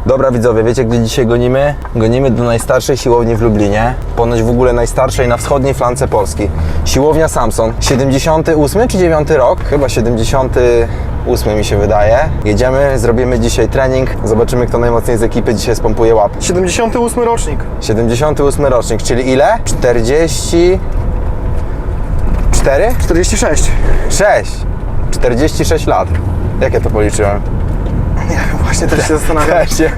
Dobra widzowie, wiecie gdzie dzisiaj gonimy? Gonimy do najstarszej siłowni w Lublinie. Ponoć w ogóle najstarszej na wschodniej flance Polski. Siłownia Samson. 78 czy 9 rok? Chyba 78 mi się wydaje. Jedziemy, zrobimy dzisiaj trening. Zobaczymy kto najmocniej z ekipy dzisiaj spompuje łap. 78 rocznik. 78 rocznik, czyli ile? 44? 46. 6. 46 lat. Jak ja to policzyłem? Nie wiem, właśnie też się zastanawiam.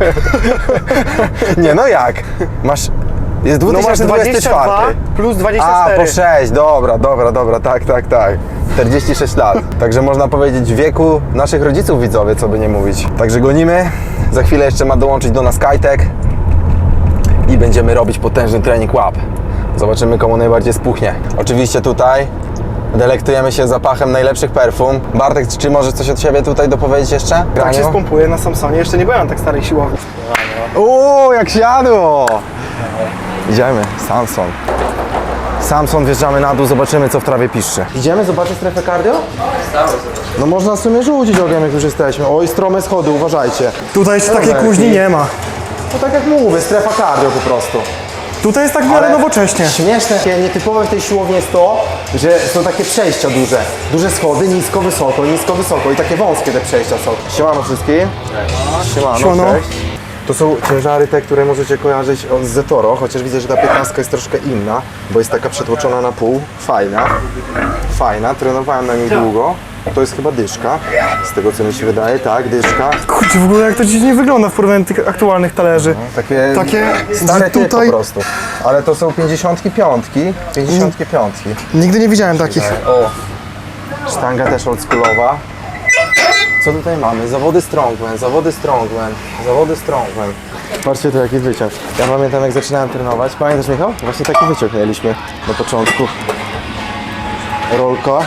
Nie, no jak? Masz... Jest No masz 2024. 22 plus 24. A, po 6, dobra, tak. 46 lat. Także można powiedzieć w wieku naszych rodziców widzowie, co by nie mówić. Także gonimy. Za chwilę jeszcze ma dołączyć do nas Kajtek. I będziemy robić potężny trening łap. Zobaczymy komu najbardziej spuchnie. Oczywiście tutaj delektujemy się zapachem najlepszych perfum. Bartek, czy możesz coś od siebie tutaj dopowiedzieć jeszcze? Tak się spompuje na Samsonie. Jeszcze nie byłem na tak starej siłowni. Jak siadło! Idziemy, Samson. Samson, wjeżdżamy na dół, zobaczymy co w trawie piszczy. Idziemy zobaczyć strefę cardio? No można w sumie rzucić ogniem jak już jesteśmy. Oj, strome schody, uważajcie. Tutaj jeszcze takiej Dobra, kuźni nie ma. No tak jak mówię, strefa cardio po prostu. Tutaj jest tak w miarę nowocześnie. Śmieszne, nietypowe w tej siłowni jest to, że są takie przejścia duże. Duże schody, nisko, wysoko i takie wąskie te przejścia są. Siemano wszystkim. Siemano, Siemano. cześć. To są ciężary te, które możecie kojarzyć z Zetoro, chociaż widzę, że ta 15 jest troszkę inna, bo jest taka przetłoczona na pół. Fajna, trenowałem na niej długo. To jest chyba dyszka, z tego co mi się wydaje, tak, dyszka. Kurczę, w ogóle jak to dziś nie wygląda w porównaniu do tych aktualnych talerzy. Takie stare typ po prostu. Ale to są 55. Nigdy nie widziałem takich. O, sztanga też oldschoolowa. Co tutaj mamy? Zawody strongman. Patrzcie tu jaki wyciąg. Ja pamiętam jak zaczynałem trenować. Pamiętasz Michał? Właśnie taki wyciąg mieliśmy na początku. Rolka.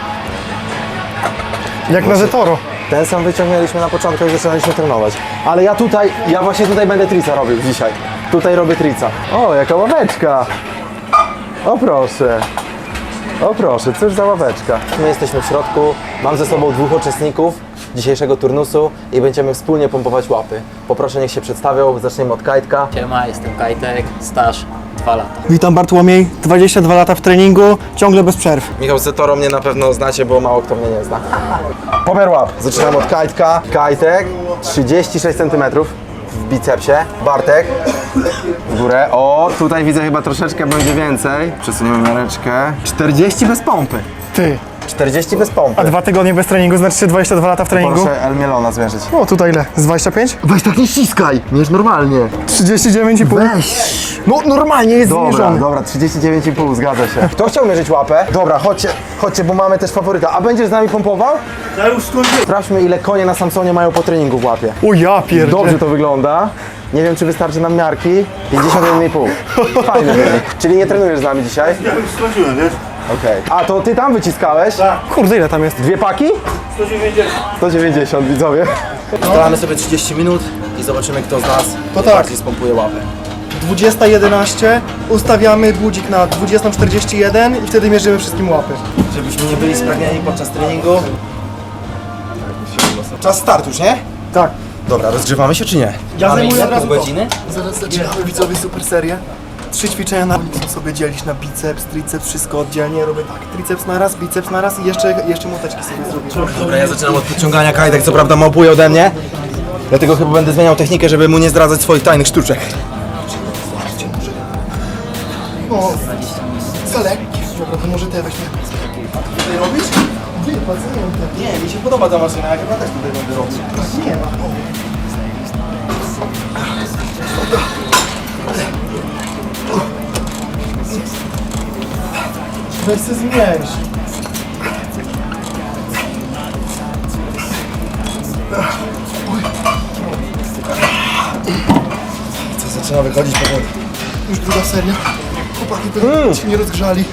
Jak na Zetoro. Ten sam wyciąg mieliśmy na początku jak zaczynaliśmy trenować. Ale ja właśnie tutaj będę trica robił dzisiaj. Tutaj robię trica. O, jaka ławeczka. O proszę, cóż za ławeczka. My jesteśmy w środku, mam ze sobą dwóch uczestników dzisiejszego turnusu i będziemy wspólnie pompować łapy. Poproszę niech się przedstawią, zaczniemy od Kajtka. Siema, jestem Kajtek, staż 2 lata. Witam Bartłomiej, 22 lata w treningu, ciągle bez przerw. Michał Zetoro mnie na pewno znacie, bo mało kto mnie nie zna. Pomiar łap. Zaczynamy od Kajtka. Kajtek 36 cm w bicepsie. Bartek w górę. O, tutaj widzę chyba troszeczkę będzie więcej. Przesuniemy miareczkę. 40 bez pompy. Ty, 40 bez pompy. a 2 tygodnie bez treningu, znaczy 22 lata w treningu? Proszę El Mielona zmierzyć. O, tutaj ile? Z 25? Weź tak nie ściskaj, mierz normalnie. 39,5. Weź. No normalnie jest zmierzony. Dobra, 39,5, zgadza się. Kto chciał mierzyć łapę? Dobra, chodźcie, bo mamy też faworyta. A będziesz z nami pompował? Ja już skończyłem. Sprawdźmy ile konie na Samsonie mają po treningu w łapie. O ja pierdzie. Dobrze to wygląda. Nie wiem czy wystarczy nam miarki. 51,5. Fajny wynik. Czyli nie trenujesz z nami dzisiaj? Ja już skończyłem, wiesz? Okej. A to ty tam wyciskałeś? Kurde, ile tam jest? 2 paki? 190. 190 widzowie. Staramy sobie 30 minut i zobaczymy kto z nas To tak. bardziej spompuje łapę. 20:11, ustawiamy budzik na 20:41 i wtedy mierzymy wszystkim łapy. Żebyśmy nie byli spragnieni podczas treningu. Czas start już, nie? Tak. Dobra, rozgrzewamy się czy nie? Ja Mamy zajmuję ile? od razu Pół to. godziny? Zaraz zaczynamy widzowie super serię. 3 ćwiczenia na ulicy sobie dzielić na biceps, triceps, wszystko oddzielnie. Robię tak, triceps na raz, biceps na raz i jeszcze moteczki sobie zrobię. Dobra, ja zaczynam od podciągania. Kajtek co prawda małpuje ode mnie. Dlatego chyba będę zmieniał technikę, żeby mu nie zdradzać swoich tajnych sztuczek. O, za lekkie. Dobra, to może te weźmy. Tutaj robić? Nie, pacjent. Nie, mi się podoba ta maszyna, ja chyba też tutaj będę robił. Nie ma. Weź się zmniejsz. Co zaczyna wychodzić powoli. Już druga seria. Chłopaki pewnie się nie rozgrzali.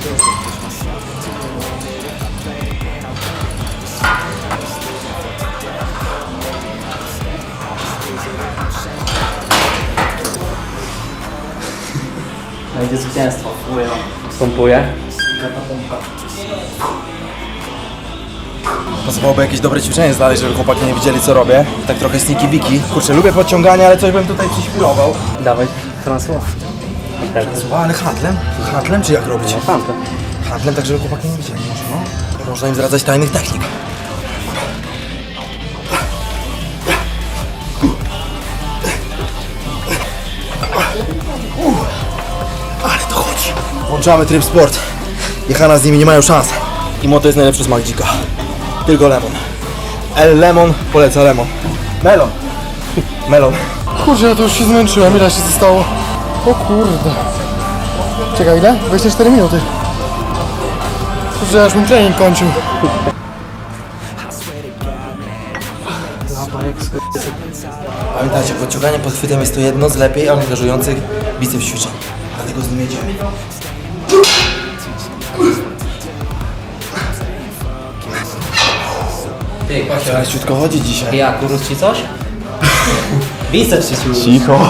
Będzie zwycięstwo. Pompuję. Pasowałoby jakieś dobre ćwiczenie znaleźć, żeby chłopaki nie widzieli co robię. Tak trochę sneaky biki. Kurczę, lubię podciąganie, ale coś bym tutaj przyśpirował. Dawaj transło. Ale handlem? Handlem czy jak robić? Handlem. Handlem, tak żeby chłopaki nie widzieli może, no. Można im zdradzać tajnych technik. Ale to chodzi. Włączamy tryb sport. Jechana z nimi nie mają szans. I moto jest najlepszy smak dzika. Tylko lemon. El Lemon poleca lemon. Melon. Melon. Kurczę, ja to już się zmęczyłem, ile się zostało? O kurde. Czekaj, ile? 24 minuty. Kurczę, aż bym trening kończył. Pamiętajcie, podciąganie pod chwytem jest to jedno z lepiej angażujących biceps ćwiczeń. Dlatego z nim jedziemy. Ty, Kosia, Ale ciutko chodzi dzisiaj. jak, urósł ci coś? Biceps ci urósł. Cicho.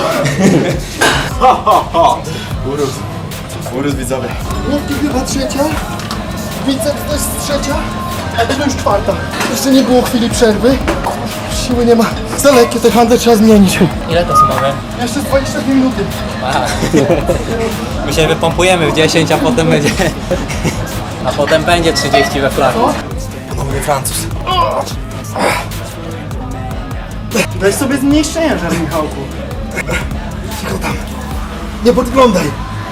Urósł widzowie. Łówki chyba trzecia. Biceps też trzecia. A to już czwarta. Jeszcze nie było chwili przerwy. Siły nie ma. Za lekkie te handle trzeba zmienić. Ile to mamy? Jeszcze 22 minuty. My się wypompujemy w 10, a potem będzie... A potem będzie 30 we flagu. Mówię Francuz. Weź sobie zmniejsz ciężar, Michałku. Cicho tam. Nie podglądaj.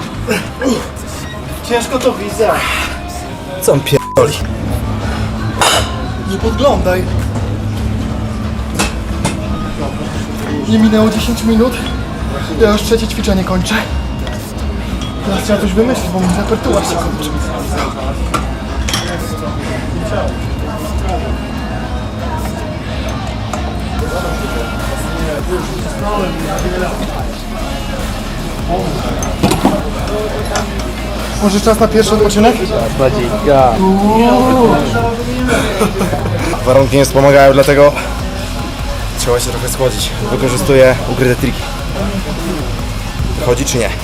Ciężko to widzę. Co on pierdoli? Nie podglądaj. Nie minęło 10 minut. Ja już trzecie ćwiczenie kończę. Teraz trzeba coś wymyślić, bo mój repertuar się kończy. Może czas na pierwszy odpoczynek? Warunki nie wspomagają, dlatego trzeba się trochę schłodzić. Wykorzystuję ukryte triki. Chodzi czy nie?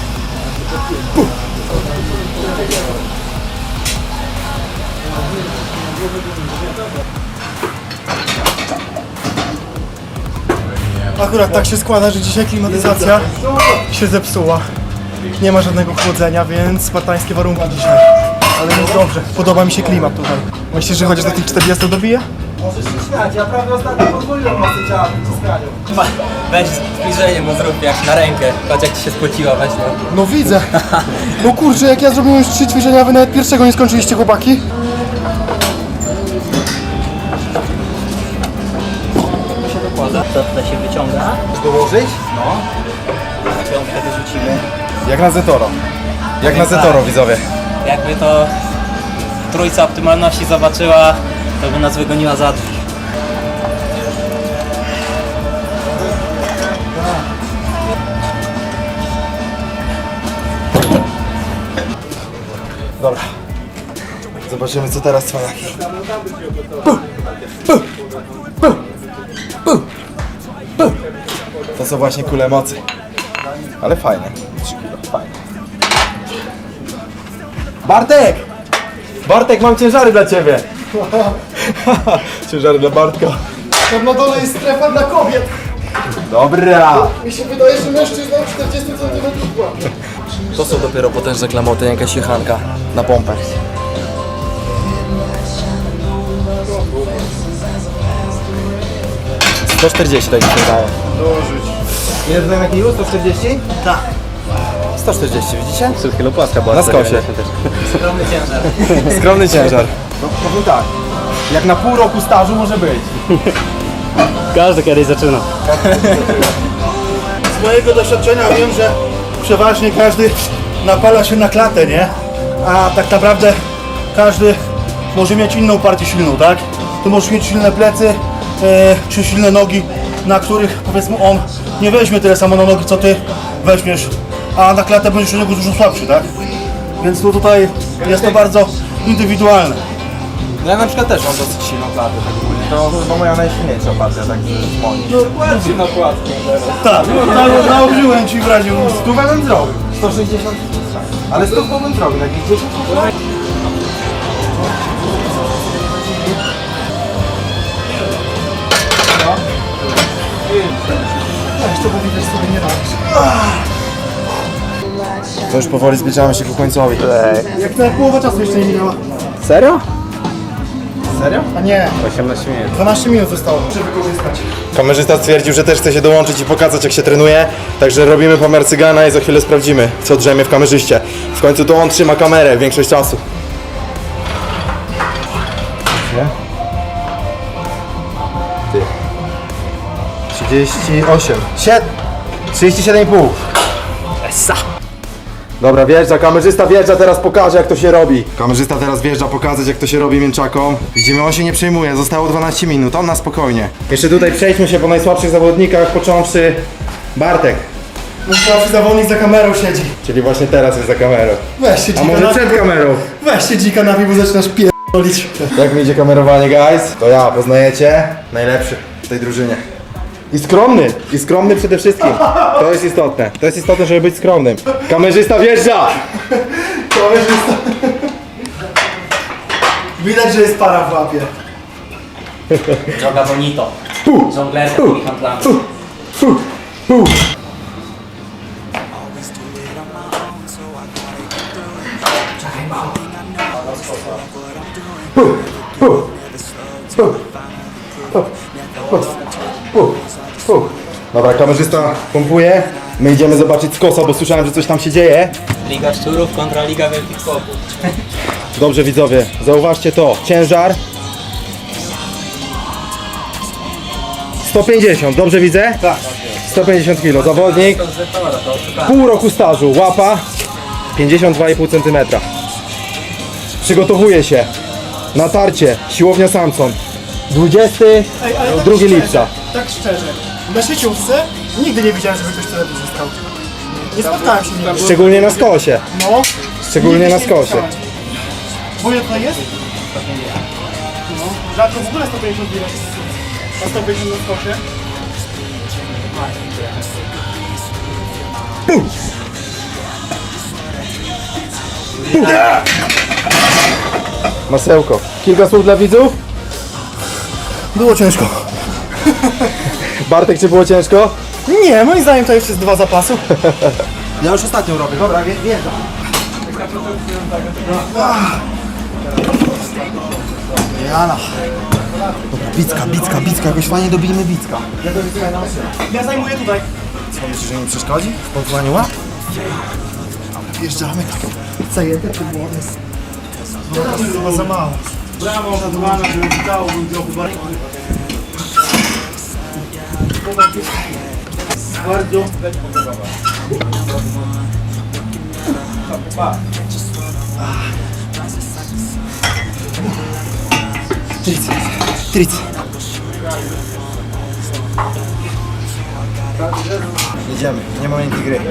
Akurat tak się składa, że dzisiaj klimatyzacja się zepsuła. Nie ma żadnego chłodzenia, więc spartańskie warunki dzisiaj. Ale jest dobrze. Podoba mi się klimat tutaj. Myślisz, że chociaż do tych 40 dobije? Możesz się śmiać, ja prawie ostatnio pozwoliłem masę ciała w wyciskaniu. Weź zbliżenie mu zrób jak na rękę. Patrz jak ci się spociła, weź no. No widzę. No kurczę, jak ja zrobiłem już 3 ćwiczenia, a wy nawet pierwszego nie skończyliście, chłopaki. To tutaj się wyciąga. Dołożyć? Piątkę wyrzucimy. Jak na Zetoro. Jak na Tak. Zetoro, widzowie. Jakby to trójca optymalności zobaczyła, to by nas wygoniła za drzwi. Dobra. Zobaczymy co teraz cwaniaki. To są właśnie kule mocy. Ale fajne. 3 kilo, fajne. Bartek! Bartek, mam ciężary dla ciebie. Ciężary dla Bartka. Tam na dole jest strefa dla kobiet. Dobra. Mi się wydaje, że mężczyzna 40 cm łapie. To są dopiero potężne klamoty, jakaś jechanka na pompę. To 140 tak mi się wydaje. Dołożyć. Ile tutaj na kiju? 140? Tak. 140, widzicie? Przed chwilą płaska była. Na skosie. Skromny ciężar. Skromny ciężar. No powiem tak, jak na pół roku stażu może być. Każdy kiedyś zaczyna. Z mojego doświadczenia wiem, że przeważnie każdy napala się na klatę, nie? A tak naprawdę każdy może mieć inną partię silną, tak? Ty możesz mieć silne plecy, czy silne nogi, na których powiedzmy on nie weźmie tyle samo na nogi, co ty weźmiesz, a na klatę będziesz u niego dużo słabszy, tak? Więc tu tutaj jest to bardzo indywidualne. No ja na przykład też mam dosyć silną klatę, tak ogólnie. To chyba moja najsilniejsza partia, tak z moich. Dokładnie na płatkę teraz. Tak, nałożyłem ci w razie. Stówę bym zrobił. 160. Ale stówką bym zrobił, takich 10. Weź to, bo widać, sobie nie robisz. To już powoli zbliżamy się ku końcowi. Jak na połowa czasu jeszcze nie minęła. Serio? Serio? A nie, 18 minut. 12 minut zostało, żeby wykorzystać. Kamerzysta stwierdził, że też chce się dołączyć i pokazać, jak się trenuje. Także robimy pomiar cygana i za chwilę sprawdzimy, co drzemie w kamerzyście. W końcu to on trzyma kamerę większość czasu. Ty. 38. 37,5. Essa. Dobra, wjeżdża, kamerzysta wjeżdża, teraz pokaże, jak to się robi. Kamerzysta teraz wjeżdża pokazać, jak to się robi mięczaką. Widzimy, on się nie przejmuje, zostało 12 minut, on na spokojnie. Jeszcze tutaj przejdźmy się po najsłabszych zawodnikach, począwszy Bartek, Mój słabszy zawodnik za kamerą siedzi. czyli właśnie teraz jest za kamerą. Weź się A dzika może przed kamerą? Weź się dzika na bo zaczynasz pierdolić. Jak mi idzie kamerowanie, guys? To ja, poznajecie? Najlepszy w tej drużynie. I skromny przede wszystkim. To jest istotne. To jest istotne, żeby być skromnym. Kamerzysta wjeżdża! Kamerzysta. Widać, że jest para w łapie. Droga bonito. Żongler z takimi handlami. Dobra, kamerzysta pompuje. My idziemy zobaczyć z kosa, bo słyszałem, że coś tam się dzieje. Liga Szczurów kontra Liga Wielkich Chłopów. Dobrze, widzowie, zauważcie to. Ciężar 150, dobrze widzę? Tak. 150 kg. Zawodnik, pół roku stażu, łapa 52,5 cm. Przygotowuje się. Natarcie, siłownia Samson. 22 lipca. Tak szczerze, na sieciówce nigdy nie widziałem, żeby ktoś tyle wyzyskał. Nie spotkałem się nigdy. Szczególnie na skosie. No. Szczególnie Nigdy na się nie skosie. spotkałem. Bo ile tutaj jest? No. Rzadko w ogóle 150 bilet. A 150 na skosie? Masełko. Kilka słów dla widzów? Było ciężko. Bartek, czy było ciężko? Nie, moim zdaniem to jeszcze jest 2 zapasów. Ja już ostatnią robię, dobra, wjeżdżam. Jana. Bicka, jakoś fajnie dobijmy bicka. Ja zajmuję tutaj. Co, myślisz, że mi przeszkodzi w pompowaniu łap? Wjeżdżamy. Zajęte czy młody? To chyba za mało. Brawo, zadbana, żeby dało bym trochę bardziej. Bardzo. Tric. Jedziemy, nie ma miękkiej gry.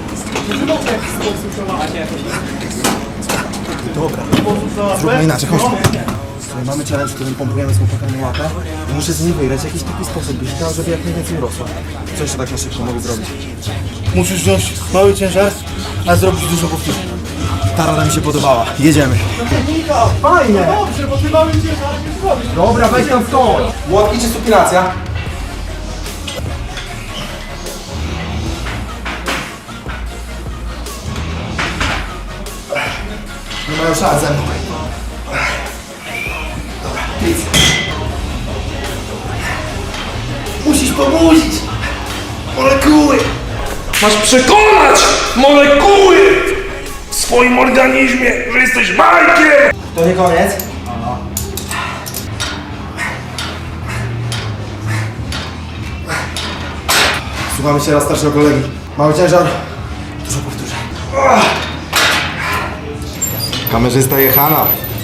Dobra, zróbmy inaczej, chodźmy. Słuchaj, mamy challenge, w którym pompujemy z chłopakami łapę. Muszę z niej wygrać w jakiś taki sposób, byś chciał, żeby jak najwięcej urosło. Co jeszcze tak na szybko mogę zrobić? Musisz wziąć mały ciężar, a zrobić dużo powtórzeń. Ta rada mi się podobała. Jedziemy. Fajnie! Dobrze, bo ty mały ciężar nie zrobisz. Dobra, weź tam stoi. Łapki czy supinacja? Nie mają szans ze mną. Dobra, nic. Musisz pobudzić molekuły. Masz przekonać molekuły w swoim organizmie, że jesteś bajkiem! To nie koniec. Słuchamy się raz starszego kolegi. Mały ciężar. Dużo powtórzeń. Kamerzysta jechana.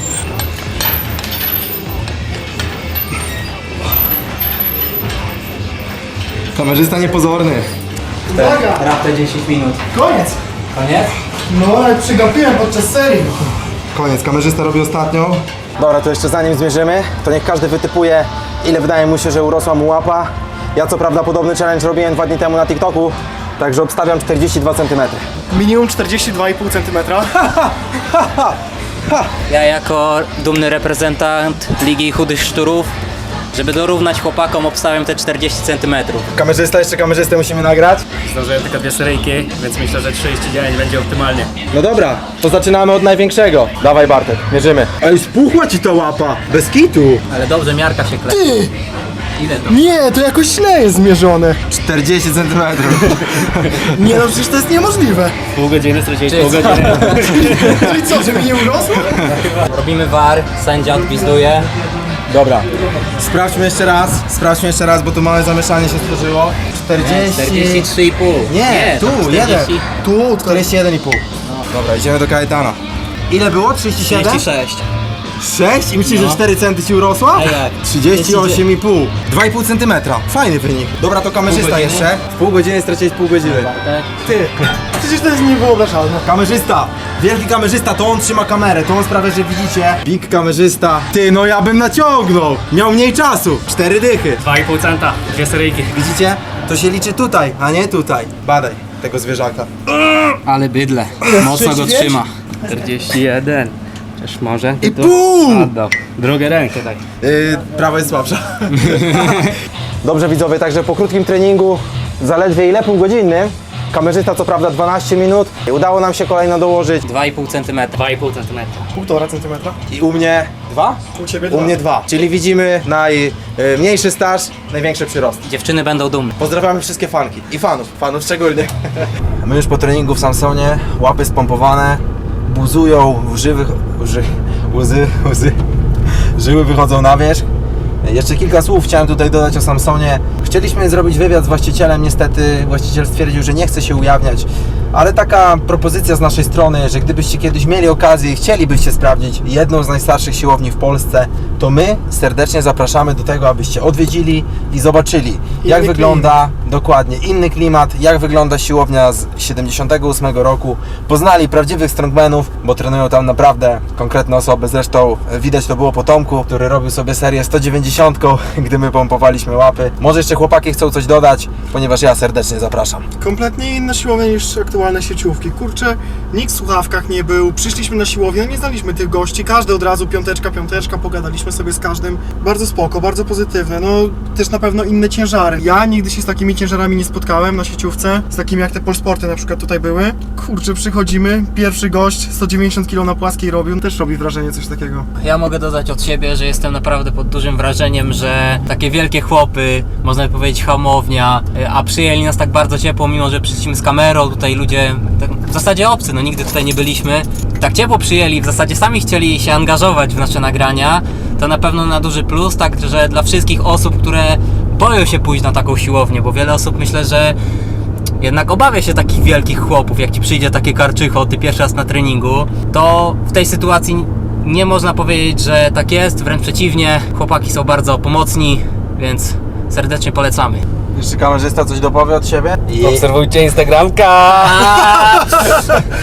Kamerzysta niepozorny. Uwaga! Rapte 10 minut. Koniec! Koniec? No ale przygapiłem podczas serii. Koniec, kamerzysta robi ostatnią. Dobra, to jeszcze zanim zmierzymy, to niech każdy wytypuje, ile wydaje mu się, że urosła mu łapa. Ja co prawda podobny challenge robiłem 2 dni temu na TikToku, także obstawiam 42 cm. Minimum 42,5 cm. Ja jako dumny reprezentant Ligi Chudych Szczurów Żeby dorównać chłopakom, obstałem te 40 cm. Kamerzysta, jeszcze kamerzystę musimy nagrać. Zdążyłem tylko 2 seryjki, więc myślę, że 39 będzie optymalnie. No dobra, to zaczynamy od największego. Dawaj Bartek, mierzymy. Ej, spuchła ci ta łapa, bez kitu. Ale dobrze, miarka się klepi. Ty! Ile to? Nie, to jakoś źle jest zmierzone. 40 cm. Nie no, przecież to jest niemożliwe. Pół godziny, straciłeś Czyli pół co? godziny. Czyli co, żeby nie urosło? Robimy VAR, sędzia odpizduje. Dobra, sprawdźmy jeszcze raz, bo tu małe zamieszanie się stworzyło. 43,5. Nie, tu, to 40. Tu, 41,5. Dobra, idziemy do Kajetana. Ile było? 37? 36. 6? I myślisz, że 4 centy ci urosła? A jak? 38,5. 2,5 cm. Fajny wynik. Dobra, to kamerzysta jeszcze. W pół godziny straciłeś pół godziny. ty. Przecież to jest niewyobrażalne. Kamerzysta! Wielki kamerzysta, to on trzyma kamerę, to on sprawia, że widzicie. Big kamerzysta. Ty, no ja bym naciągnął. Miał mniej czasu. 4 dychy. 2,5 centa, 2 seryjki. Widzicie? To się liczy tutaj, a nie tutaj. Badaj tego zwierzaka. Ale bydle. Mocno go trzyma. 41. Przecież może. I pół! Oddał. Drugą rękę tak. Prawa jest słabsza. Dobrze widzowie, także po krótkim treningu, zaledwie ile? Półgodzinnym. Kamerzysta co prawda 12 minut. Udało nam się kolejno dołożyć. 2,5 cm. 2,5 centymetra. 1,5 centymetra. I u mnie 2? U ciebie U mnie 2. Czyli widzimy najmniejszy staż, największe przyrosty. Dziewczyny będą dumne. Pozdrawiamy wszystkie fanki i fanów szczególnie. My już po treningu w Samsonie, łapy spompowane, buzują, łzy, żyły wychodzą na wierzch. Jeszcze kilka słów chciałem tutaj dodać o Samsonie. Chcieliśmy zrobić wywiad z właścicielem, niestety właściciel stwierdził, że nie chce się ujawniać, ale taka propozycja z naszej strony, że gdybyście kiedyś mieli okazję i chcielibyście sprawdzić jedną z najstarszych siłowni w Polsce, to my serdecznie zapraszamy do tego, abyście odwiedzili i zobaczyli, jak wygląda dokładnie inny klimat, jak wygląda siłownia z 78 roku. Poznali prawdziwych strongmanów, bo trenują tam naprawdę konkretne osoby. Zresztą widać to było po Tomku, który robił sobie serię 190, gdy my pompowaliśmy łapy. Może jeszcze chłopaki chcą coś dodać, ponieważ ja serdecznie zapraszam. Kompletnie inna siłownia niż aktualne sieciówki. Kurczę, nikt w słuchawkach nie był. Przyszliśmy na siłownię, nie znaliśmy tych gości. Każdy od razu piąteczka, pogadaliśmy sobie z każdym. Bardzo spoko, bardzo pozytywne. No też na pewno inne ciężary. Ja nigdy się z takimi ciężarami nie spotkałem na sieciówce. Z takimi jak te Polsporty na przykład tutaj były. Kurczę, przychodzimy, pierwszy gość 190 kg na płaskiej robił. Też robi wrażenie coś takiego. Ja mogę dodać od siebie, że jestem naprawdę pod dużym wrażeniem, że takie wielkie chłopy, można by powiedzieć hamownia, a przyjęli nas tak bardzo ciepło, mimo że przyszliśmy z kamerą, tutaj ludzie tak, w zasadzie obcy, no nigdy tutaj nie byliśmy, tak ciepło przyjęli, w zasadzie sami chcieli się angażować w nasze nagrania, to na pewno na duży plus, także dla wszystkich osób, które boją się pójść na taką siłownię, bo wiele osób myślę, że jednak obawia się takich wielkich chłopów, jak ci przyjdzie takie karczycho, ty pierwszy raz na treningu, to w tej sytuacji nie można powiedzieć, że tak jest, wręcz przeciwnie, chłopaki są bardzo pomocni, więc serdecznie polecamy. Jeszcze kamerzysta coś dopowie od siebie? Obserwujcie Instagramka!